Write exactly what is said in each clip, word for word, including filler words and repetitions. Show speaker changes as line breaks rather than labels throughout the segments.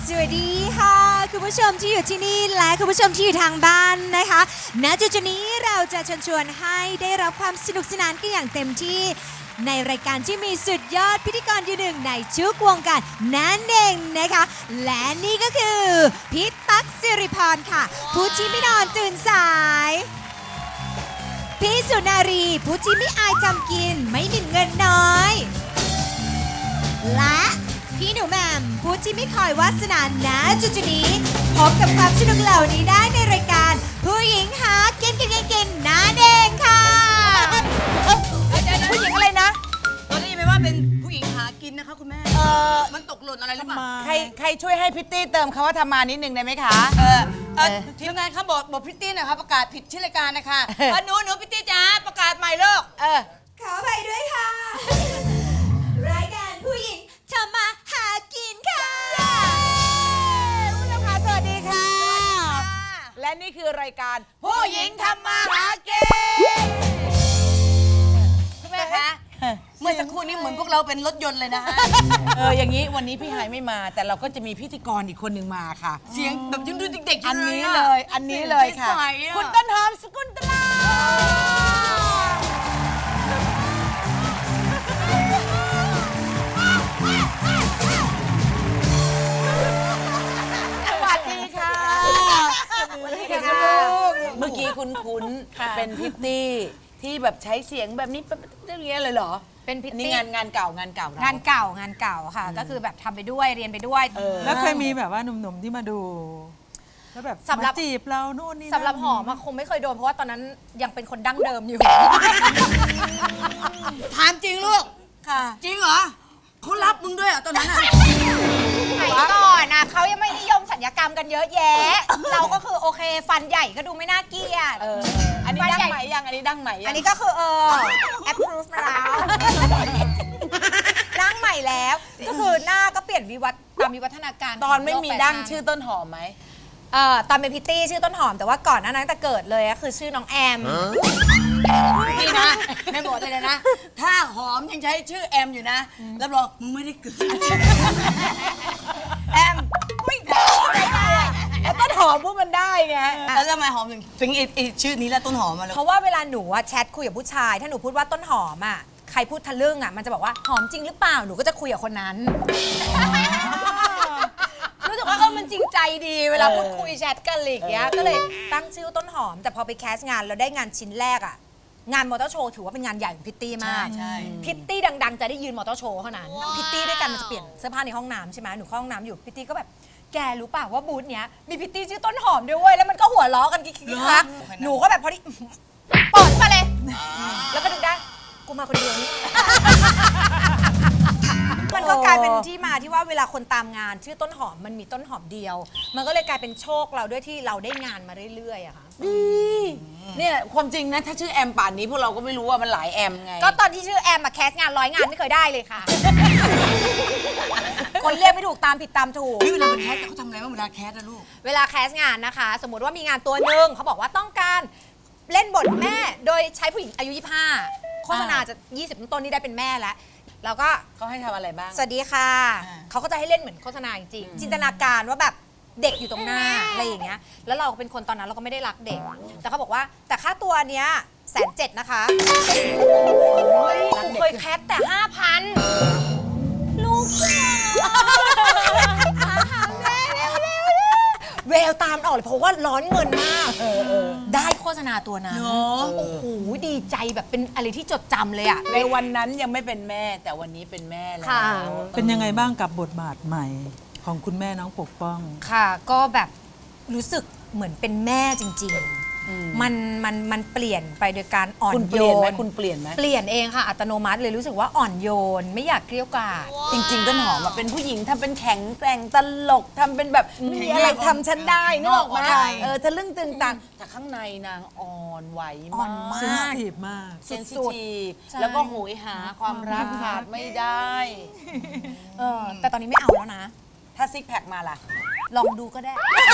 สวัสดีค่ะคุณผู้ชมที่อยู่ที่นี่และคุณผู้ชมที่อยู่ทางบ้านนะคะณจุดนี้เราจะเชิญชวนให้ได้รับความสนุกสนานกันอย่างเต็มที่ในรายการที่มีสุดยอดพิธีกรยืนหนึ่งในทุกวงการนั่นเองนะคะและนี่ก็คือพิษตั๊กสิริพรค่ะผู้ที่ไม่นอนตื่นสายพี่สุนารีผู้ที่ไม่อายจำกินไม่หมิ่นเงินน้อยและพี่หนูแหม่มผู้ที่ไม่คอยวาสนาณจุดนี้พบกับความสนุกเหล่านี้ได้ในรายการผู้หญิงหากินกินกินกินนั่นเองค่ะผู้หญิงอะไรนะ
ตอนนี้ไม่ว่าเป็นผู้หญิงหากินนะคะคุณแม่
เออ
มันตกหล่นอะไรหรือเปล่า
ใครใครช่วยให้พิตตี้เติมคำว่าทำมานิดนึงได้ไหมคะ
เออเออ
เออ
ทีมงานเขาบอกบอกพิตตี้หน่อยครับประกาศผิดชื่อรายการนะคะ
เออ
เออหนูหนูพิตตี้จ้าประกาศใหม่เลิก
เออ
ขอไปด้วยค่ะ รายการผู้หญิงทำมาหากินค่ะ
ผู้ชมคะสวัสดีค่ะ และนี่คือรายการผู้หญิงทำมาหากิน
คุณแม่คะเมื่อสักครู่นี้เหมือนพวกเราเป็นรถยนต์เลยนะฮะ
เอออย่างนี้วันนี้พี่หายไม่มา แต่เราก็จะมีพิธีกรอีกคนหนึ่งมาค่ะ
เสียงแบบยังดูเด็กๆ
อัน
ยู่
นี้
อะ
เลยอันนี้เลยค่ะ
ใสๆอะ
คุณต้นหอมสกุลตลาสวัสดีค่ะสวัสดีค่ะเมื่อกี้คุ้นๆเป็นพิตตี้ที่แบบใช้เสียงแบบนี้แบบอย่างเงี้ยเลยเหรอ
เป็นพิต
นี่
ตี้
งานงานเก่างานเก่าเรา
งานเก่างานเก่าค่ะ ก็คือแบบทำไปด้วยเรียนไปด้วย
เออ
แล้วเคยมีแบบว่าหนุ่มๆที่มาดู แล้วแบบ
สำหรับ
มาจีบเรานู่นนี่นั่น
สำหรับหอมอะคงไม่เคยโดนเพราะว่าตอนนั้นยังเป็นคนดั้งเดิมอยู่
ถามจริงลูก
ค่ะ
จริงเหรอเขารับมึงด้วยเหรอ่ะตอนนั้นอ่ะ
ไหนก่อนนะเขายังไม่นิยมสัญญกรรมกันเยอะแยะ เราก็คือโอเคฟันใหญ่ก็ดูไม่น่าเกลียด
เอออันนี้ดังไหมยังอันนี้ดังไหมยัง
อันนี้ก็คือเออ approve มาแล้วร่างใหม่แล้ว ก็คือหน้าก็เปลี่ยนวิวัฒน์ตามวิวัฒนาการ
ตอนไม่มีดั้ง
ขโลกแฟชั่น
ชื่อต้นหอมไหม
เอ่อตอนเป็นพิตตี้ชื่อต้นหอมแต่ว่าก่อนหน้านั้นแต่เกิดเลยก็คือชื่อน้องแอม
นี่นะแม่บอกเลยนะ ถ้าหอมยังใช้ชื่อแอมอยู่นะรับรองมึงไม่ได้เกิดแอมไม่ได้
แล้วต้นหอมพวกมันได้ไง
แล้วทำไมหอมถึงถึงไอ้ไอ้ชื่อนี้แล้วต้นหอมมาเลย
เพราะว่าเวลาหนูอะแชทคุยกับผู้ชาย ถ้าหนูพูดว่าต้นหอมอ่ะใครพูดทะลึ่งอ่ะมันจะบอกว่าหอมจริงหรือเปล่าหนูก็จะคุยกับคนนั้น รู้สึกว่าเออมันจริงใจดีเวลาพูดคุยแชทกันอะไรอย่างเงี้ยก็เลยตั้งชื่อต้นหอม แต่พอไปแคสงานเราได้งานชิ้นแรกอ่ะงานมอเตอร์โชว์ถือว่าเป็นงานใหญ่ของพิตตี้มาก
ใช่
พิตตี้ดังๆจะได้ยืนมอเตอร์โชว์เท่านั้นพิตตี้ด้วยกันมันจะเปลี่ยนเสื้อผ้าในห้องน้ำใช่ไหมหนูเข้าห้องน้ำอยู่พิตตี้ก็แบบแกรู้ป่าวว่าบูธเนี้ยมีพิตตี้ชื่อต้นหอมด้วยเว้ยแล้วมันก็หัวล้อกันกิ๊กๆคักหนูก็แบบพอดีเปิดมาเลย แล้วก็ดึงได้กูมาคนเดียวนี่ มันก็กลายเป็นที่มาที่ว่าเวลาคนตามงานชื่อต้นหอมมันมีต้นหอมเดียว มันก็เลยกลายเป็นโชคเราด้วยที่เราได้งานมาเรื่อยๆอะค่ะ
เนี่ยความจริงนะถ้าชื่อแอมป่านนี้พวกเราก็ไม่รู้ว่ามันหลายแอมไง
ก็ตอนที่ชื่อแอมมาแคสงานร้อยงานไม่เคยได้เลยค่ะ คนเรียกไม่ถูกตามผิดตามถูก
นี่เวลาเป็นแคสเขาทำอะไรบ้างเวลาแคสนะลูก
เวลาแคสงานนะคะ สมมติว่ามีงานตัวหนึ่งเขาบอกว่าต้องการเล่นบทแม่โดยใช้ผู้หญิงอายุยี่สิบห้าโฆษณาจะยี่สิบต้นนี่ได้เป็นแม่แล้วแล้วก็
เขาให้ทำอะไรบ้าง
สวัสดีค่ะ
อ่า
เขาก็จะให้เล่นเหมือนโฆษณาจริงๆจินตนาการว่าแบบเด็กอยู่ตรงหน้าอะไรอย่างเงี้ยแล้วเราเป็นคนตอนนั้นเราก็ไม่ได้รักเด็ก แต่เขาบอกว่าแต่ค่าตัวเนี้ยแสนเจ็ดนะคะเคยแคสแต่ห้าพันลูกจ๋าหาแม่เร็วๆแววตามออกเลยเพราะว่าร้อนเงินมาก ได้โฆษณาตัวนั้น
เนาะ
โอ้โหดีใจแบบเป็นอะไรที่จดจำเลยอะ
ในวันนั้นยังไม่เป็นแม่แต่วันนี้เป็นแม่แล้ว
ค่ะ
เป็นยังไงบ้างกับบทบาทใหม่ของคุณแม่น้องปกป้อง
ค่ะก็แบบรู้สึกเหมือนเป็นแม่จริงๆ มันมันมันเปลี่ยนไปโดยการอ่อน
คุณเป
โย
ลี่ยนไหม
น
คุณเปลี่ยนไหม
เปลี่ยนเองค่ะอัตโนมัติเลยรู้สึกว่าอ่อนโยน ไม่อยากเกลี้ยวกล่อม
จริงๆต้นหอมอะเป็นผู้หญิงทำเป็นแข็งแกร่งตลกทำเป็นแบบไม่มีอะไรทำฉันได้นึกออกไหม
ใช่
เออทะลึ่งตึงตังแต่ข้างในนางอ่อนไหว
อ่อนมาก
เซนซิทีฟมาก
เซนซิ
สุด
ทีฟ
ใช่
แล้วก็โหยหาความรักขาดไม่ได้
เออแต่ตอนนี้ไม่เอาแล้วนะ
ถ้าซิกแพคมาล่ะ
ลองดูก็ได้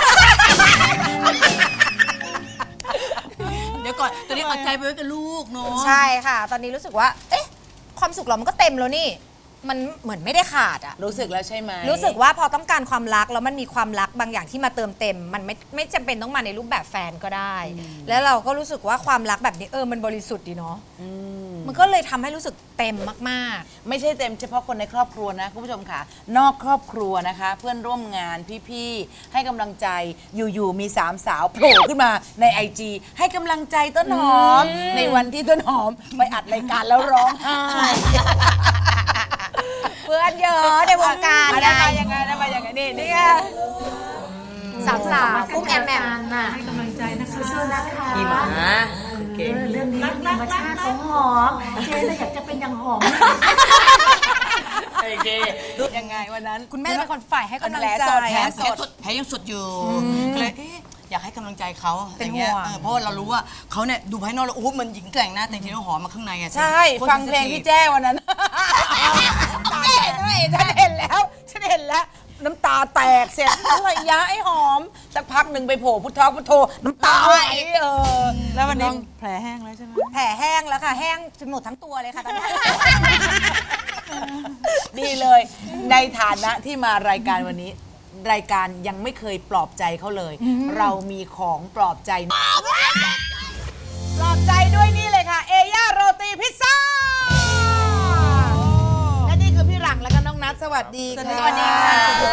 เดี๋ยวก่อนตอนนี้เอาใจไปไว้กับลูกเนาะ
ใช่ค่ะ ตอนนี้รู้สึกว่า เอ๊ะ ความสุขเรามันก็เต็มแล้วนี่มันเหมือนไม่ได้ขาดอะ
รู้สึกแล้วใช่ไหม
รู้สึกว่าพอต้องการความรักแล้วมันมีความรักบางอย่างที่มาเติมเต็ม มันไม่ไม่จำเป็นต้องมาในรูปแบบแฟนก็ได้ แล้วเราก็รู้สึกว่าความรักแบบนี้เออมันบริสุทธิ์ดีเนาะมันก็เลยทำให้รู้สึกเต็มมากๆ
ไม่ใช่เต็มเฉพาะคนในครอบครัวนะคุณผู้ชมค่ะ นอกครอบครัวนะคะ เพื่อนร่วมงานพี่ๆให้กำลังใจอยู่ๆมีสามสาวโผล่ขึ้นมาในไอจีให้กำลังใจต้นหอม ในวันที่ต้นหอมไปอัดรายการแล้วร้องไห้
เพื่อนเยอะในวงการ
ได้มายังไงได้มายังไงนี่นี่ไง
สามสาวกุ้งแอมแอม
พี่หมาเก่ง
เรื่องนี้เป็นธรรมชาติของหอม เจ๊เลยอยากจะเป็นอย่างหอม
โอเคยังไงวันนั้น
คุณแม่เป็นคนฝ่ายให้กำลัง
แผล
ใจ
สด
แผลสดแผลยังสดอยู่ก็เลยเอ๊ะอยากให้กำลังใจเขา
เป็น
อะไรงี้ย
ห่วง
เออเพราะว่าเรารู้ว่าเขาเนี่ยดูภายนอกแล้วโอ้โหมันหญิงแกร่งนะแต่จริงๆแล้วหอมมาข้างในอะ
ใช่ ฟังเพลงพี่แจ้วันนั้นตาแตกฉันเห็นแล้ว ฉันเห็นแล้ว น้ำตาแตกเสร็จอะไรยะไอ้หอม สักพักหนึ่งไปโผล่พุทธอกพุทโธน้ำตาไหลเออ
แล้ววันนี้แผลแห้งแล้วใช่ไหม
แผลแห้งแล้วค่ะ แห้งจนหมดทั้งตัวเลยค่ะตอนนี้
ดีเลย ในฐานะที่มารายการวันนี้ รายการยังไม่เคยปลอบใจเขาเลย เรามีของปลอบใจ ปลอบใจด้วยนี่เลยค่ะ เอย่าโรตีพิซซ่า และนี่คือพี่หลังและก็น้องนัทสวัสดีค่ะ
สวัสดีค่ะ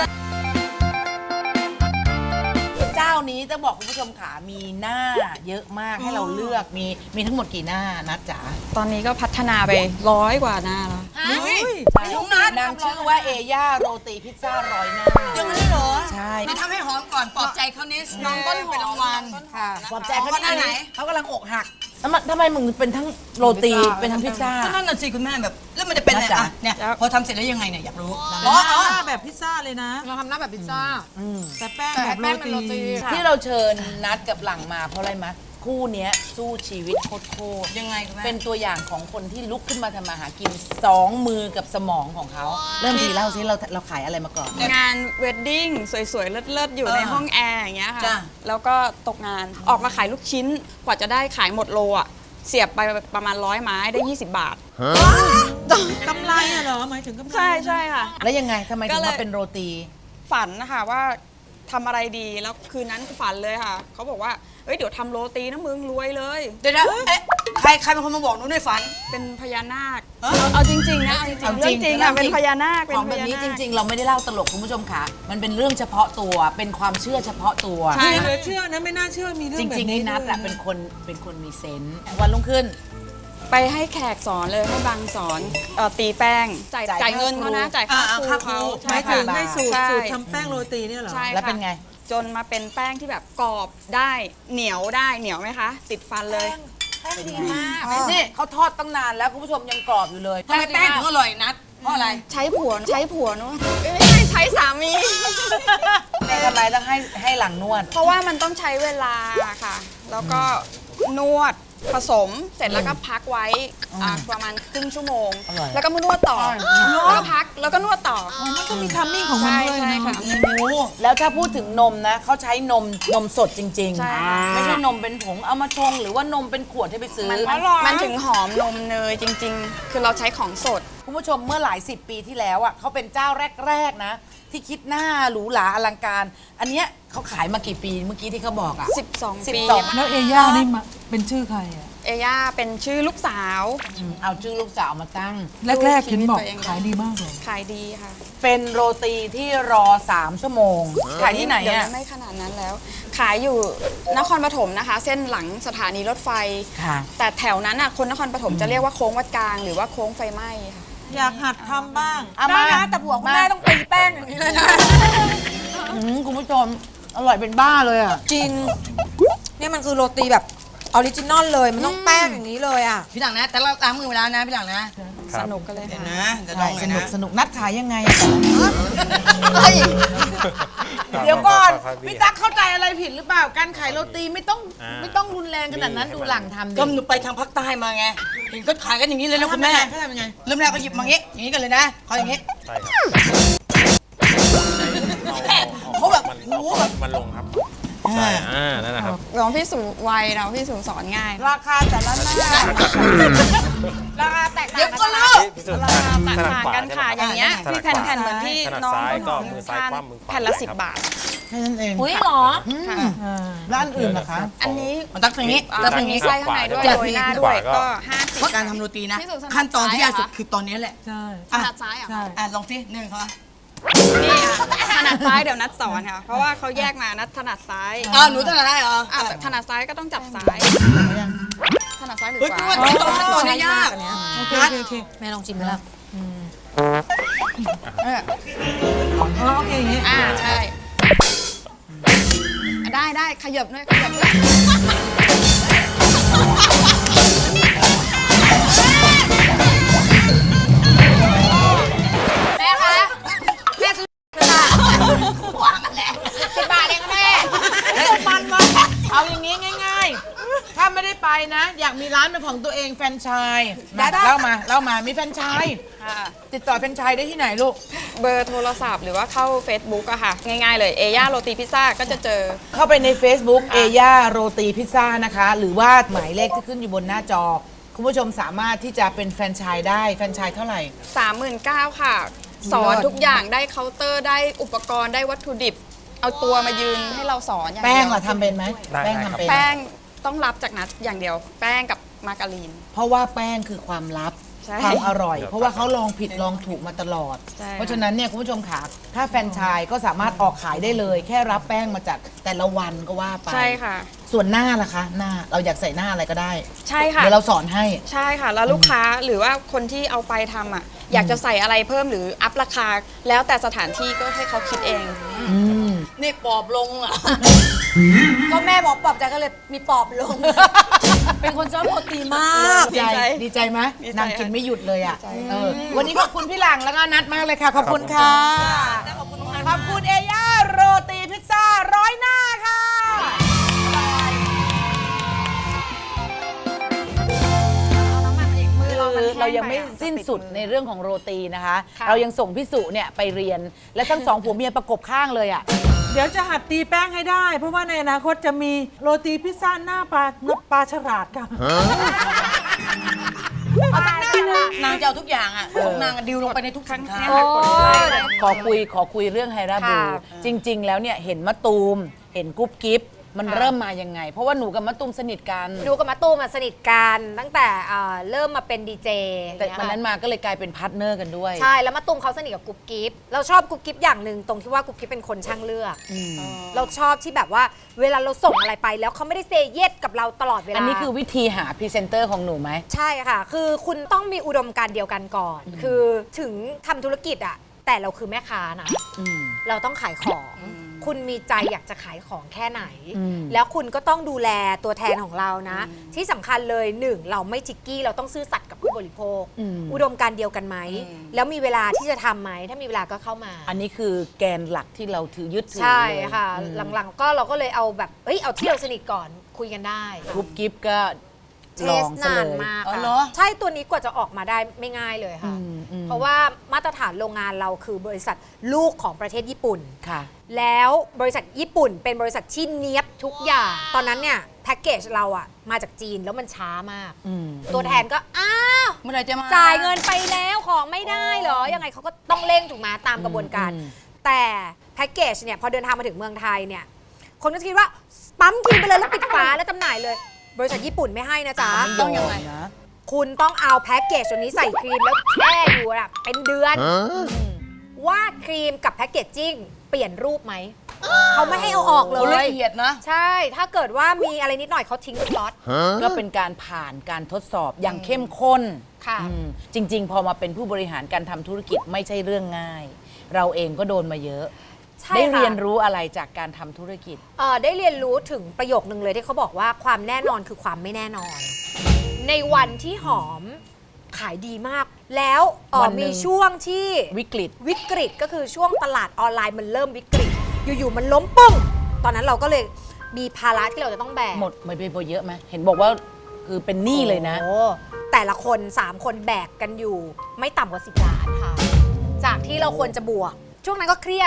เจ้านี้ต้องบอกคุณผู้ชมค่ะมีหน้าเยอะมากให้เราเลือกมีมีทั้งหมดกี่หน้านัทจ๋า
ตอนนี้ก็พัฒนาไปร้อยกว่าหน้าแล้ว
น้องนัทนางชื่อว่าเอย่าโรตีพิซซ่าร้อยหน้า
ยังไงเลยเหรอ
ใช่
นี่ทำให้หอมก่อนปลอบใจเขานิดน้องต้นหอมเป็นรางวัล
ค่ะปลอบใจเขา
หน้าไหน
เขากำลังอกหักทำไมทำไมมึงเป็นทั้งโรตีเป็นทั้งพิซซ่า
ก็นั่นน่ะสิคุณแม่แบบแล้วมันจะเป็นอะไร
จ๊ะ
อ่ะเนี่ยพอทำเสร็จแล้วยังไงเนี่ยอยากรู้
อ๋ออ๋อแบบพิซซ่าเลยนะ
เราทำหน้าแบบพิซซ่า
แต่แป้ง
แต่
แบบ
แป้งเป็น
โร
โรตี
ตี
ที่เราเชิญนัดกับหลังมาเพราะอะไรมะคู่เนี้ยสู้ชีวิตโคตร
ยังไงคุณแม่
เป็นตัวอย่างของคนที่ลุกขึ้นมาทำมาหากินสองมือกับสมองของเขา เริ่มทีเล่าซิเราเราขายอะไรมาก่อน
งานเวดดิ้งสวยๆ เลิศๆ อยู่ในห้องแอร์อย่างเงี้ย
จ้ะ
ค่ะ แล้วก็ตกงานออกมาขายลูกชิ้น กว่าจะได้ขายหมดโลอ่ะ เสียบไปประมาณร้อยไม้ได้ ยี่สิบบาท
กำไรอะเหรอ หมายถึงกำไร
ใช่ใช่ค่ะ
แล้วยังไงทำไม
ก็
ถึง
เลย
มาเป็นโรตี
ฝันนะคะว่าทำอะไรดีแล้วคืนนั้นฝันเลยค่ะ เขาบอกว่าเอ้ยเดี๋ยวทำโรตีนะมึงรวยเลย
เดี๋ยวนะเอ๊ะใครใครเป็นคนมาบอกหนูในฝัน
เป็นพญานาคเอาเอาจริงๆนะเอาจริง
เอา
ๆ
จริ
เรื่อง งจริงค่ะ
เอาจริง
เป็นพญานาคเป็
ข
น
อง
พ
แบบ
ญา
นี้
นาค
จริง ๆ เราไม่ได้เล่าตลกคุณผู้ชมค่ะ มันเป็นเรื่องเฉพาะตัว เป็นความเชื่อเฉพาะตัว
ใช่
เหลือเชื่อนะไม่น่าเชื่อมีเรื่อ
จ
งแบบ
ริงๆ
นี้
นี่นัด
ด้วย
อะเป็นคนเป็นคนมีเซนส์วันรุ่งขึ้น
ไปให้แขกสอนเลยให้บางสอนเอ่อตีแป้งจ่าย
จ่าย
จ่ายเงินเขานะจ่ายค่า
อ่า
ครู
ค่าครู
เขา
หมายถึงให้สูตร
ใช่
สูตรทำแป้งโรตีเนี่ยเหรอ
ใช่
แล้วเป็น
ค่ะ
ไง
จนมาเป็นแป้งที่แบบกรอบได้เหนียวได้เหนียวไหมคะ ติดฟันเลย
นี่เขาทอดตั้งนานแล้วคุณผู้ชมยังกรอบอยู่เลย
ทำไมแป้งถึงอร่อยนัดเพราะอะไร
ใช้ผัวใช้ผัวเนอะเอ้ยไม่ใช่ใช้สามี
นี่ทำไมต้องให้ให้หลังนวด
เพราะว่ามันต้องใช้เวลาค่ะ แล้วก็นวดผสมเสร็จแล้วก็พักไว้อ่าประมาณครึ่งชั่วโมง
อร่อย
แล้วก็มานวดต่อแล้วก็พักแล้วก็นวดต่อ
มันต้องมีทัมมิ่งของมัน
ใช่
ด้วย
ใช่
นะ
ค่ะ
แล้วถ้าพูดถึงนมนะเขาใช้นมนมสดจริง
ใช่
ๆ ไม่ใช่นมเป็นผงเอามาชงหรือว่านมเป็นขวดให้ไปซื้อ
มันมันถึงหอมนมเนยจริง ๆ คือเราใช้ของสด
คุณผู้ชมเมื่อหลายสิบปีที่แล้วอ่ะเขาเป็นเจ้าแรก ๆ นะ ที่คิดหน้าหรูหราอลังการ อันเนี้ยเขาขายมากี่ปีเมื่อกี้ที่เขาบอกอ่ะ
สิบสอง
สิบ
ปี
สอง
แล้วเอย่านี่มาเป็นชื่อใครอะ
เอย่าเป็นชื่อลูกสาว
อืมเอาชื่อลูกสาวมาตั้ง
แรกๆเห็นบอก
ชีวิตตัวเอง
ขายดีมากเลย
ขายดีค่ะ
เป็นโรตีที่รอสามชั่วโมงขายที่ไหน
เดี๋ยว
อ่ะ
นี้ไม่ขนาดนั้นแล้ว ขายอยู่นครปฐมนะคะ เส้นหลังสถานีรถไฟ
ค่ะ
แต่แถวนั้นอ่ะคนนครปฐมจะเรียกว่าโค้งวัดกลางหรือว่าโค้งไฟไหม้ค่ะ
อยากหัดทำบ้าง
เอามา
ได้นะแต่ผัวคุณแม่ต้องตีแป้งอย่างนี้เลยนะ
อืมคุณผู้ชมอร่อยเป็นบ้าเลยอ่ะ
จริง เนี่ยมันคือโรตีแบบออริจินอลเลย มันต้องแป้งอย่างนี้เลยอ่ะ
พี่หลังนะ แต่เราตามมือเวลานะพี่หลังนะ
สนุกกันเลย
เดี๋ยว
ค่ะ
นะเดี๋ยวลองห
ส
น่อย
นุก
นะ
สนุกนัดขายยังไงอะเดี๋ยวก่อนพี่ตั๊กเข้าใจอะไรผิดหรือเปล่า การขายโรตีไม่ต้องไม่ต้องรุนแรงขนาดนั้นดูหลังทำดิ
ก็หนูไปทางภาคใต้มาไง เห็นก็ขายกันอย่างนี้เลยนะคุณแม่
เขาทำยังไง
เริ่มแรกก็หยิบมาอย่างนี้ อย่างนี้กันเลยนะเขาอย่างนี้
ใช่ครับ
เขาแบบ
มัน
โอ้โห
เอา
แบบ
มันลงครับ
ใช่อ่านั่นแหละครับ
น้องพี่สูไวน้องพี่สูสอนง่าย
ราคาแต่ละหน้าราคาแตกต่าง
เดี๋ยว
กัน
ก็
นะ
รู้
พี่สุด
ราคา
ถ
ต่าง
นัด
ต่าง
ขวา
กันค่ะ
ใช่ไหม
อย่างเงี้ย
ถนั
ที่
ด
แผ่น
ขวา
แผ่นเหมือนที่
ถนัด
น้อง
ซ้าย
ต้นหอม
ก็มือซ้าย
ทาน
คว่ำมือขวา
แผ่นละ
ครับ
สิบบาท
แค่นั้นเอง
อุ้ยเหรอ
ค่ะ
ร้านอื่นนะคะ
อันนี้
มันตักตรงนี้
อ่า
ตักต
มั
ร
น
ง
มี
นี้
ไส้ข้างในด้วย
จัด
โรยหน้า
ข
ด้ว
วาย ก็
ก็ห้าสิบ
เพราะการทำโรตีนะ
พี่สุถนัด
ขั้นตอนที่ยากสุด
ซ้ายเหรอคะ
คือตอนนี้แหละ
ใช่
ถนัดซ้ายเหรอ
ใช่
อ่ะลองสิหนึ่งเขา
นี่ค่ะถนัดซ้ายเดี๋ยวนัดสอนค่ะ เพราะว่าเขาแยกมานัดถนัดซ้าย
อ้าวหนูถนัดได้เหรอ
อ่ะแต่ถนัดซ้ายก็ต้องจับซ้าย ถนัดซ้ายหรือ
เฮ้ย
ข
พี่
วา
ว่าตอนขั้นตอนนี้ยาก
โอเคโอเคโอเค
แม่ลองชิมไหมล่ะ
อ๋อโอเคอย่างงี้
อ่าใช่ ได้ได้ขยับด้วยขยับด้วย
แม่คะแม่ซื้อค่ะสิบบาทเองค่ะแม่
มันวะเอาอย่างนี้ง่ายๆ ถ้าไม่ได้ไปนะ อยากมีร้านเป็นของตัวเองแฟรนไชส์มาเล่ามาเล่ามามีแฟรนไชส์
ค่ะ
ติดต่อแฟรนไชส์ได้ที่ไหนลูก
เบอร์โทรศัพท์หรือว่าเข้า Facebook อะค่ะ ง่ายๆเลยเอย่าโรตีพิซซ่าก็จะเจอ
เข้าไปใน Facebook เอย่าโรตีพิซซ่านะคะ หรือว่าหมายเลขที่ขึ้นอยู่บนหน้าจอ คุณผู้ชมสามารถที่จะเป็นแฟรนไชส์ได้แฟรนไชส์เท่าไหร่
สามหมื่นเก้าค่ะ สอนทุกอย่างได้เคาน์เตอร์ได้อุปกรณ์ได้วัตถุดิบ เอาตัวมายืนให้เราสอนอย่างเดี
แป้ง
ยว
ล่ะทำเป็นไหม
ได้
แป้ง
ได้ครับ
ทำเป็น
แป้งต้องรับจากนัดอย่างเดียว แป้งกับมาการีน
เพราะว่าแป้งคือความลับ
ใช่
ความอร่อย เพราะว่าเขาลองผิดลองถูกมาตลอด
ใช่
เพราะฉะนั้นเนี่ยคุณผู้ชมค่ะถ้าแฟรนไชส์ก็สามารถออกขายได้เลย แค่รับแป้งมาจากแต่ละวันก็ว่าไป
ใช่ค่ะ
ส่วนหน้าล่ะคะ หน้าเราอยากใส่หน้าอะไรก็ได้
ใช่ค่ะ
เดี๋ยวเราสอนให้
ใช่ค่ะ แล้วลูกค้าหรือว่าคนที่เอาไปทำอ่ะ อยากจะใส่อะไรเพิ่มหรืออัพราคา แล้วแต่สถานที่ก็ให้เขาคิดเอง
นี่ปอบลงอ่ะ
ก็แม่บอกปอบใจก็เลยมีปอบลง เป็นคนชอบโรตีมาก
ดีใจ
ดีใจ
ดีใจไหม
ดีใจ
นางกินไม่หยุดเลยอ่ะ
ดีใจ
เออวันนี้ขอบคุณพี่หลังแล้วก็นัดมากเลยค่ะ ขอบคุณค่ะ ขอบคุณเอย่าโรตีพิซซ่าร้อยหน้าค่ะ คือเรายังไม่สิ้นสุดในเรื่องของโรตีนะคะ เรายังส่งพี่สุเนี่ยไปเรียน และทั้งสองผัวเมียประกบข้างเลยอ่ะ
เดี๋ยวจะหัดตีแป้งให้ได้ เพราะว่าในอนาคตจะมีโรตีพิซซ่าหน้าปลาหน้าปลาฉลาดค่ะ
นางจะเอาทุกอย่างอ่ะของนางอะดิวลงไปในทุกสินค้า
ขอคุยขอคุยเรื่องไฮราบู
ค่ะ
จริง ๆ แล้วเนี่ยเห็นมะตูม เห็นกุ๊บกิ๊บมันเริ่มมายังไง เพราะว่าหนูกับมะตูมสนิทกัน
หนูกับมะตูมมาสนิทกันตั้งแต่เอ่อเริ่มมาเป็นดีเจ
แต่วันนั้นมาก็เลยกลายเป็นพาร์ทเนอร์กันด้วย
ใช่แล้วมะตูมเขาสนิทกับกุ๊บกิ๊บเราชอบกุ๊บกิ๊บอย่างหนึ่งตรงที่ว่ากุ๊บกิ๊บเป็นคนช่างเลือกเราชอบที่แบบว่าเวลาเราส่งอะไรไปแล้วเขาไม่ได้เซเยสกับเราตลอดเวลา
อันนี้คือวิธีหาพรีเซนเตอร์ของหนูไหม
ใช่ค่ะ คือคุณต้องมีอุดมการณ์เดียวกันก่อน คือถึงทำธุรกิจอะแต่เราคือแม่ค้านะ
อืม
เราต้องขายของ คุณมีใจอยากจะขายของแค่ไหน
อืม
แล้วคุณก็ต้องดูแลตัวแทนของเรานะ ที่สำคัญเลยหนึ่งเราไม่จิกกี้ เราต้องซื่อสัตย์กับผู้บริโภค อุดมการณ์เดียวกันไหม แล้วมีเวลาที่จะทำไหม ถ้ามีเวลาก็เข้ามา
อันนี้คือแกนหลักที่เราถือยึดถือ
ใช่
เลย
ค่ะ
อืม
หลังๆก็เราก็เลยเอาแบบ เอ้ย เอาที่เราสนิทก่อนคุยกันได้
กุ๊บกิ๊บก็
เท
ลอ
ส
งซะ
นา
เล
น
ย
มาก
อ๋อ
ค่ะ
เหรอ
ใช่ตัวนี้กว่าจะออกมาได้ไม่ง่ายเลยค่ะ
อืมอืม
เพราะว่ามาตรฐานโรงงานเราคือบริษัทลูกของประเทศญี่ปุ่น
ค่ะ
แล้วบริษัทญี่ปุ่นเป็นบริษัทที่เนี้ยบทุกอย่าง ตอนนั้นเนี่ยแพ็กเกจเราอะมาจากจีนแล้วมันช้ามาก
อืม
ตัวแทนก็ อ้าว
เมื่อไหร่จะมา
จ่ายเงินไปแล้วของไม่ได้เหรอ ยังไงเขาก็ต้องเร่งถูกไหมตามกระบวนการ
อืม
แต่แพ็กเกจเนี่ยพอเดินทางมาถึงเมืองไทยเนี่ยคนก็จะคิดว่าปั๊มกินไปเลยแล้วปิดฝาแล้วจำหน่ายเลย บริษัทญี่ปุ่นไม่ให้นะจ๊ะ
ต้องยังไงนะ
คุณต้องเอาแพ็กเกจตัวนี้ใส่ครีมแล้วแช่อยู่อะเป็นเดือน ว่าครีมกับแพ็กเกจจิ้งเปลี่ยนรูปไหม เขาไม่ให้เอาออกเล
โอ้
ย
ละเอียดนะ
ใช่ ถ้าเกิดว่ามีอะไรนิดหน่อยเขาทิ้งทุกล็อต
ก็เป็นการผ่านการทดสอบอย่างเข้มข้น
ค่ะ
อืมจริง ๆ พอมาเป็นผู้บริหารการทำธุรกิจไม่ใช่เรื่องง่าย เราเองก็โดนมาเยอะ
ใช่
ได้
ค่ะ
เรียนรู้อะไรจากการทำธุรกิจ
เอ่อได้เรียนรู้ถึงประโยคนึงเลยที่เขาบอกว่าความแน่นอนคือความไม่แน่นอน ในวันที่หอมขายดีมาก แล้วเอ่อ
วันหนึ่ง
มีช่วงที่
วิกฤต
วิกฤตก็คือช่วงตลาดออนไลน์มันเริ่มวิกฤต อยู่ๆมันล้มปึ้ง ตอนนั้นเราก็เลยมีภาระที่เราจะต้องแบก
หมดไม่ไปเยอะไหมเห็นบอกว่าคือเป็นหนี้เลยนะ
โอ้แต่ละคน สาม คนแบกกันอยู่ไม่ต่ำกว่าสิบล้านค่ะ จากที่เราควรจะบวก ช่วงนั้นก็เครียด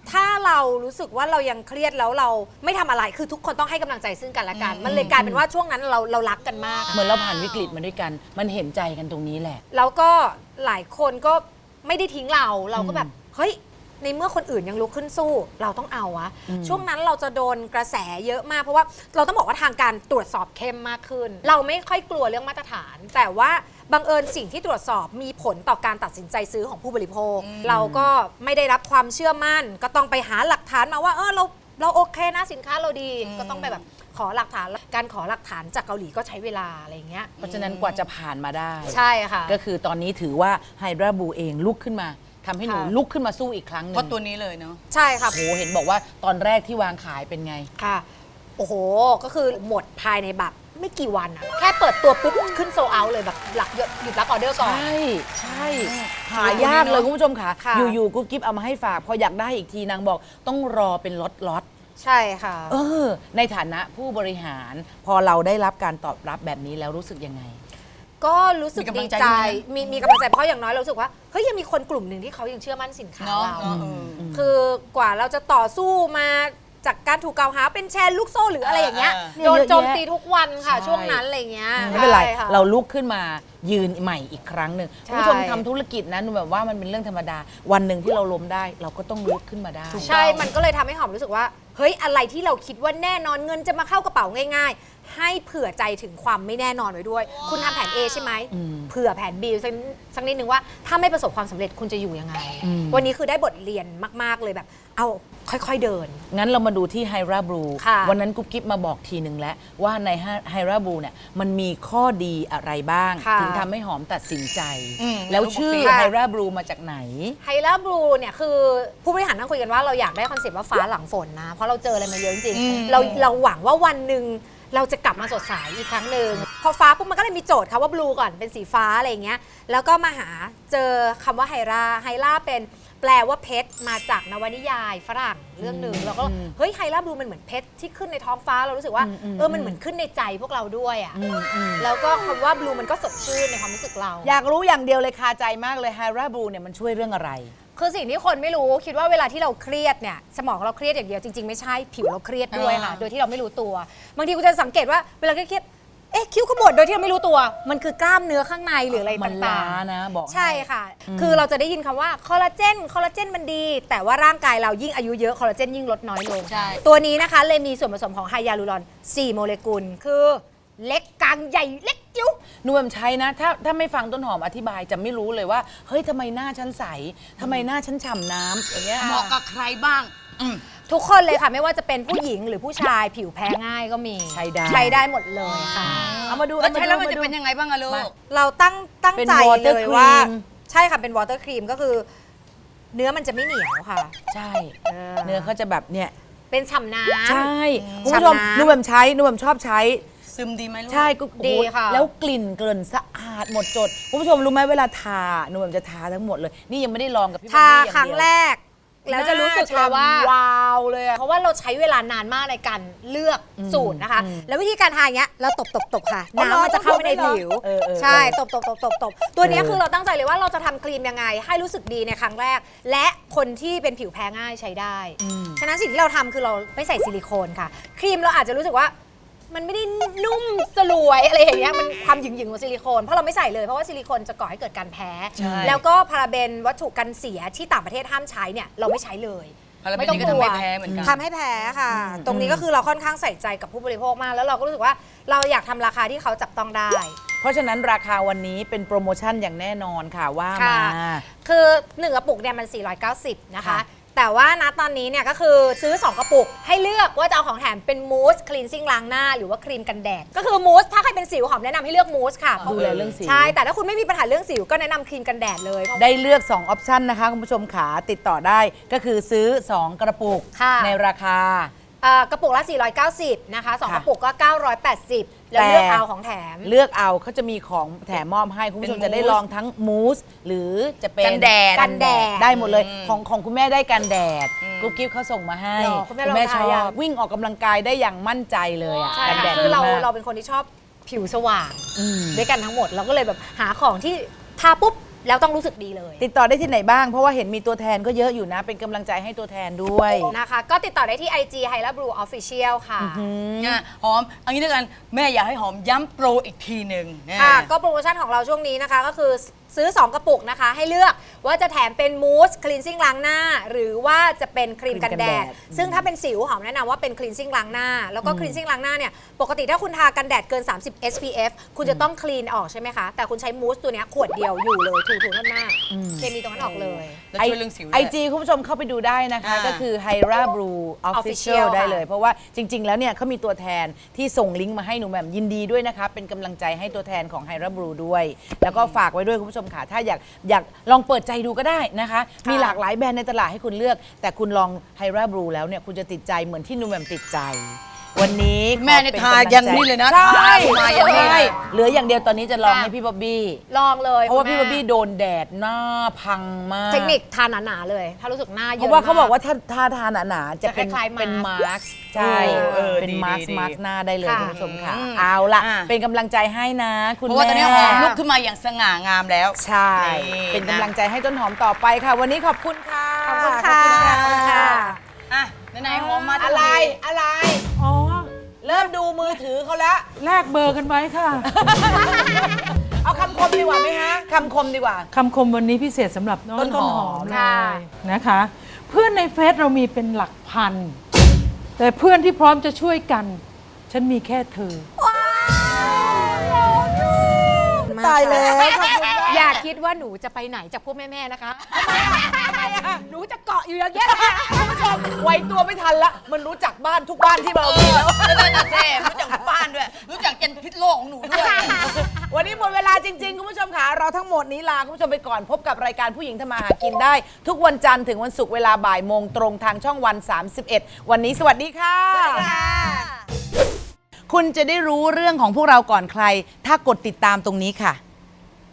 ถ้าเรารู้สึกว่าเรายังเครียดแล้วเราไม่ทำอะไรคือทุกคนต้องให้กำลังใจซึ่งกันและกัน มันเลยกลายเป็นว่าช่วงนั้นเราเรารักกันมาก
เหมือนเราผ่านวิกฤตมาด้วยกัน มันเห็นใจกันตรงนี้แหละ
แล้วก็หลายคนก็ไม่ได้ทิ้งเราเราก็แบบเฮ้ยในเมื่อคนอื่นยังลุกขึ้นสู้เราต้องเอาวะช่วงนั้นเราจะโดนกระแสเยอะมากเพราะว่าเราต้องบอกว่าทางการตรวจสอบเข้มมากขึ้น เราไม่ค่อยกลัวเรื่องมาตรฐาน แต่ว่าบังเอิญสิ่งที่ตรวจสอบมีผลต่อการตัดสินใจซื้อของผู้บริโภค เราก็ไม่ได้รับความเชื่อมั่น ก็ต้องไปหาหลักฐานมาว่าเออเราเราโอเคนะสินค้าเราดีก็ต้องไปแบบขอหลักฐานการขอหลักฐานจากเกาหลีก็ใช้เวลาอะไรอย่างเงี้ย
เพราะฉะนั้นกว่าจะผ่านมาได้
ใช่ค่ะ
ก็คือตอนนี้ถือว่าไฮดราบูเองลุกขึ้นมาทำให้หนู
ค่ะ
ลุกขึ้นมาสู้อีกครั้งหนึง
เพราะตัวนี้เลยเนาะ
ใช่ค่ะ
โอ้โหเห็นบอกว่าตอนแรกที่วางขายเป็นไง
ค่ะ โอ้โห ก็คือหมดภายในแบบไม่กี่วันอะแค่เปิดตัวปุ๊บขึ้นโซเอาเลยแบบหลักหยุดรับออเดอร์ก่อน
ใช่ ใช่ หายากเลยคุณผู้ชมค่ะ
ค่ะ
อยู่ๆกุ๊กกิ๊บเอามาให้ฝาก พออยากได้อีกทีนางบอกต้องรอเป็นล็อตล็อต
ใช่ค่ะ
เออ ในฐานะผู้บริหาร พอเราได้รับการตอบรับแบบนี้แล้วรู้สึกยังไง
ก็รู้สึก
มีกำลั
ดี
งใจ
ใจ
ด้วยนะ
มีมีกำลังใจเพราะอย่างน้อยเรารู้สึกว่าเฮ้ยยังมีคนกลุ่มหนึ่งที่เขายังเชื่อมั่นสินค้า
เนาะ
เรา
เนาะเออ
คือกว่าเราจะต่อสู้มาจากการถูกกล่าวหาเป็นแชร์ลูกโซ่หรืออะไรอย่างเงี้ย
อ่า
โดน
เยอะแยะ
โจมตีทุกวันค่ะ
ใช่
ช่วงนั้นอะไรอย่างเงี้ย
ไม่เป็นไร
ใช่ค่ะ
เราลุกขึ้นมายืนใหม่อีกครั้งหนึ่ง
ใช่
คุณผู้ชมทำธุรกิจนะหนูแบบว่ามันเป็นเรื่องธรรมดา วันหนึ่งที่เราล้มได้ เราก็ต้องลุกขึ้นมาได้
ใช่ มันก็เลยทำให้หอมรู้สึกว่า เฮ้ย อะไรที่เราคิดว่าแน่นอนเงินจะมาเข้ากระเป๋าง่าย ๆ ให้เผื่อใจถึงความไม่แน่นอนไว้ด้วย คุณทำแผน A ใช่ไหม เผื่อแผน B สักสักนิดนึงว่าถ้าไม่ประสบความสำเร็จคุณจะอยู่ยังไง วันนี้คือได้บทเรียนมาก ๆ เลยแบบ เอาค่อย ๆ เดิน
งั้นเรามาดูที่ไฮราบลู
ค่ะ
วันนั้นกุ๊บกิ๊บมาบอกทีหนึ่งแล้ว ว่าในไฮราบลูเนี่ยมันมีข้อดีอะไรบ้าง
ค่ะ
ถึงทำให้หอมตัดสินใจ
อืม
แล้วชื่อ
ค่ะ
ไฮราบลูมาจากไหน
ไฮล่าบลูเนี่ยคือผู้บริหารนั่งคุยกันว่าเราอยากได้คอนเซ็ปต์ว่าฟ้าหลังฝนนะ เพราะเราเจออะไรมาเยอะจริง
อืม
ๆเราเราหวังว่าวันหนึ่งเราจะกลับมาสดใสอีกครั้งหนึ่งพอฟ้าปุ๊บมันก็เลยมีโจทย์ค่ะว่าบลูก่อนเป็นสีฟ้าอะไรอย่างเงี้ยแล้วก็มาหาเจอคำว่าไฮราไฮราเป็นแปลว่าเพชรมาจากนวนิยายฝรั่งเรื่องหนึ่งแล้วก็เฮ้ยไฮราบลูมันเหมือนเพชรที่ขึ้นในท้องฟ้าเรารู้สึกว่าเออมันเหมือนขึ้นในใจพวกเราด้วยอ่ะแล้วก็คำว่าบลูมันก็สดชื่นในความรู้สึกเรา
อยากรู้อย่างเดียวเลยคาใจมากเลยไฮราบลูเนี่ยมันช่วยเรื่องอะไร
คือสิ่งที่คนไม่รู้คิดว่าเวลาที่เราเครียดเนี่ยสมองเราเครียดอย่างเดียวจริง ๆ ไม่ใช่ผิวเราเครียดด้วยค่ะ
อ่า
โดยที่เราไม่รู้ตัวบางทีคุณจะสังเกตว่าเวลาเครียดเอ๊ะคิ้วขมวดโดยที่เราไม่รู้ตัว มันคือกล้ามเนื้อข้างในหรืออะไร
มัน
ต่า
ล้าง นะบอกให้
ๆใช่ค่ะ คือเราจะได้ยินคำว่าคอลลาเจนคอลลาเจนมันดี แต่ว่าร่างกายเรายิ่งอายุเยอะคอลลาเจนยิ่งลดน้อยลง
ใช่
ตัวนี้นะคะเลยมีส่วนผสมของไฮยาลูรอนสี่โมเลกุลคือเล็กกลางใหญ่เล็กจิ๋ว
หนูแบบใช้นะ ถ้าถ้าไม่ฟังต้นหอมอธิบายจะไม่รู้เลยว่า เฮ้ยทำไมหน้าฉันใสทำไมหน้าฉันฉ่ำน้ำอย่างเงี้ย
เหมาะกับใครบ้างอืม
ทุกคนเลยค่ะไม่ว่าจะเป็นผู้หญิงหรือผู้ชายผิวแพ้ง่ายก็มี
ใช้ได้
ใช้ได้หมดเลยค่ะ
เอามาดู
แล้วใช้แล้วมัน
อาา
จะ
ดู
เป็นยังไงบ้างอะลู
มา
ก
เราตั้งตั้ง
เป็น
ใจ
water
เลยว่า
cream
ใช่ค่ะเป็นวอเตอร์ครีมก็คือ เนื้อมันจะไม่เหนียวค่ะ
ใช่
เออ
เนื้อเขาจะแบบเนี่ย
เป็นฉ่ำน้ำ
ใช่คุณผู้ชม
ฉ่ำน้ำ
หนูแบบใช้หนูแบบชอบใช้
ซึมดีไหมลูก
ใช่ก็โอ้โห
ดีค่ะ
แล้วกลิ่นเกินสะอาดหมดจดคุณผู้ชมรู้ไหมเวลาทาหนูแบบจะทาทั้งหมดเลย นี่ยังไม่ได้ลองกับพี่
ทา
บอบบี้อย่
ครั้ง
เดียว
แรก แล้วจะรู้สึกเลยว่า
หน้ฉ่ำวาวเลยอะ
เพราะว่าเราใช้เวลานานมากในการเลือกสูตรนะคะ แล้ววิธีการทาอย่างเงี้ยเราตบตบตบค่ะ
อ๋อเหรอ
น้ำมันจะเข้าไปใน
ต้องตบด้วยเหรอ
ผิว
เออเออ
ใช่
เออ
ตบตบตบตบตบตัวเนี้ย
เออ
คือเราตั้งใจเลยว่าเราจะทำครีมยังไง ให้รู้สึกดีในครั้งแรก และคนที่เป็นผิวแพ้ง่ายใช้ได้ ฉะนั้นสิ่งที่เราทำคือเราไม่ใส่ซิลิโคนค่ะ ครีมเราอาจจะรู้สึกว่ามันไม่ได้นุ่มสลวยอะไรอย่างเงี้ยมันความหยึงๆของซิลิโคนเพราะเราไม่ใส่เลยเพราะว่าซิลิโคนจะก่อให้เกิดการแพ้
ใช่
แล้วก็พาราเบนวัตถุกันเสียที่ต่างประเทศห้ามใช้เนี่ยเราไม่ใช้เลย
พาราเบนนี่ก็ทำให้แพ้เหมือนกัน
ทำให้แพ้ค่ะ ตรงนี้ก็คือเราค่อนข้างใส่ใจกับผู้บริโภคมาก แล้วเราก็รู้สึกว่าเราอยากทำราคาที่เขาจับต้องได้
เพราะฉะนั้นราคาวันนี้เป็นโปรโมชั่นอย่างแน่นอนค่ะว่า
ค่ะ
มา
คือหนึ่งกระปุกเนี่ยมันสี่ร้อยเก้าสิบนะคะ
ค่ะ
แต่ว่าณตอนนี้เนี่ยก็คือซื้อ สอง กระปุก ให้เลือกว่าจะเอาของแถมเป็นมูสคลีนซิ่งล้างหน้าหรือว่าครีมกันแดด ก็คือมูสถ้าใครเป็นสิวหอมแนะนำให้เลือกมูสค่ะ
ดูแลเรื่องสิว
ใช่ แต่ถ้าคุณไม่มีปัญหาเรื่องสิวก็แนะนำครีมกันแดดเลยเพราะ
ได้เลือกสองออปชันนะคะคุณผู้ชมขาติดต่อได้ก็คือซื้อสองกระปุก
ค่ะ
ในราคา
เอ่อกระปุกละสี่ร้อยเก้าสิบนะคะสอง
ค่ะ
กระปุกก็เก้าร้อยแปดสิบแล้ว
แต่
เลือกเอาของแถม
เลือกเอาเขาจะมีของแถมมอบให้ คุณผู้ชม
เป็น
จะได้
มูส
ลองทั้งมูสหรือจะเป็น
กันแดด
กันแดด
ได้หมดเลยของของคุณแม่ได้กันแดดกุ๊บกิ๊บเขาส่งมาให้
หรอคุณแม่ลอง
ช
ทา
อ
ยัง
บวิ่งออกกำลังกายได้อย่างมั่นใจเลยอ่ะ
ใช่
กันแด
ค่ะ
ด
คือเรา
ดีมก
เราเป็นคนที่ชอบผิวสว่าง
อืม
ด้วยกันทั้งหมดเราก็เลยแบบหาของที่ทาปุ๊บแล้วต้องรู้สึกดีเลย
ติดต่อได้ที่ไหนบ้างเพราะว่าเห็นมีตัวแทนก็เยอะอยู่นะเป็นกำลังใจให้ตัวแทนด้วย
นะคะก็ติดต่อได้ที่ ไอ จี Hyla Blue Official ค่ะ
เนี่ยหอมเอันนี้ด้วยกันแม่อยากให้หอมย้ำโปรอีกทีหนึ่งเนี่ย
ค่ะก็โปรโมชั่นของเราช่วงนี้นะคะก็คือซื้อ สอง กระปุกนะคะ ให้เลือกว่าจะแถมเป็นมูสคลีนซิ่งล้างหน้า หรือว่าจะเป็นครีมกันแดด ซึ่งถ้าเป็นสิวหอมแนะนำว่าเป็นคลีนซิ่งล้างหน้า แล้วก็คลีนซิ่งล้างหน้าเนี่ยปกติถ้าคุณทากันแดดเกิน สามสิบ เอส พี เอฟ คุณจะต้องคลีนออกใช่ไหมคะ แต่คุณใช้มูสตัวเนี้ยขวดเดียวอยู่เลยถูๆหน้าเคมีตรงนั้นออกเลย
แล้วช่วยเรื่องสิวด้วย
ไอจีคุณผู้ชมเข้าไปดูได้นะคะ
อ่า
ก็คือ Hyla Blue Official
Official
ได้เลย
ค่ะ
เพราะว่าจริง ๆ แล้วเนี่ยเขามีตัวแทนที่ส่งลิงก์มาให้หนูแหม่มยินดีด้วยนะคะ เป็นกำลังใจให้ตัวแทนของ Hyla Blue ด้วย แล้วก็ฝากไว้ด้วยคุณผู้ชมค่ะ ถ้าอยากอยากลองเปิดใจดูก็ได้นะคะ มีหลากหลายแบรนด์ในตลาดให้คุณเลือก แต่คุณลอง Hyla Blue แล้วเนี่ยคุณจะติดใจเหมือนที่หนูแหม่มติดใจ วันนี้ขอ
แม่เนี่ย
ป็
ทายันนี่เลยนะ
ใช่
ทามายันนี่
ใช่เหลืออย่างเดียวตอนนี้จะลองให้พี่บ๊อบบี้
ลองเลย
เพราะว่าพี่
คุ
บ๊
ณ
อบ
แม่
บี้โดนแดดหน้าพังมาก
เทคนิคทาหนาๆเลย ถ้ารู้สึกหน้าเย
เพ
อะ
ราะว่าเขาบอก
ม
ว่าถ้าถ้าทานหนาๆจะเป็น
จะคล้ายๆ
เป็น
มา
มา
ร์ค
ร์คใช่
เออ
เป็น
ดี
มาร์ค
ดี
มาร์คหน้าได้เลย
ค่ะ
คุณผู้ชมค่ะ
อืม
เอาล่ะ
อ่ะ
เป็นกำลังใจให้นะคุณ
เพราะว่าตอนนี้
แม่
หอมลุกขึ้นมาอย่างสง่างามแล้ว
ใช่
นี่
เป็นกำลังใจให้ต้นหอมต่อไปค่ะ วันนี้ขอบคุณค่ะ
ขอบคุณค่ะ
ขอบคุณค่ะ
อ่ะไหนๆหอมมา
อะไรอะไร
อ๋อ
เริ่มดูมือถือเขาแล้ว
แลกเบอร์กันไว้ค่ะ
เอาคำคมดีกว่าไหมฮะคำคมดีกว่า
คำคมวันนี้พิเศษสำหรับน้อง
ต้
ต้
น
น
ห
ห
อ
อ
ม
มเล
ค่ะ
ยนะคะ เพื่อนในเฟซเรามีเป็นหลักพัน แต่เพื่อนที่พร้อมจะช่วยกัน ฉันมีแค่เธอ
ตายแล้วขอบคุณมาก
อย่าคิดว่าหนูจะไปไหนจากพวกแม่ ๆ นะคะ หนูจะเกาะอยู่อย่างเงี้ย
คุณผู้ชมไวตัวไม่ทันละมันรู้จักบ้านทุกบ้านที่เรามีแล้ว
ไม่ได้ตาเซ่รู้จักบ้านด้วย รู้จักยันพิษโลกของหนูด้วย
วันนี้หมดเวลาจริง ๆ คุณผู้ชมค่ะเราทั้งหมดนี้ลาคุณผู้ชมไปก่อนพบกับรายการผู้หญิงทำมาหากินได้ ทุกวันจันทร์ถึงวันศุกร์เวลาบ่ายโมงตรงทางช่องวัน สามสิบเอ็ด วันนี้สวัสดีค่ะ
สวัสดีค่ะ
คุณจะได้รู้เรื่องของพวกเราก่อนใคร ถ้ากดติดตามตรงนี้ค่ะ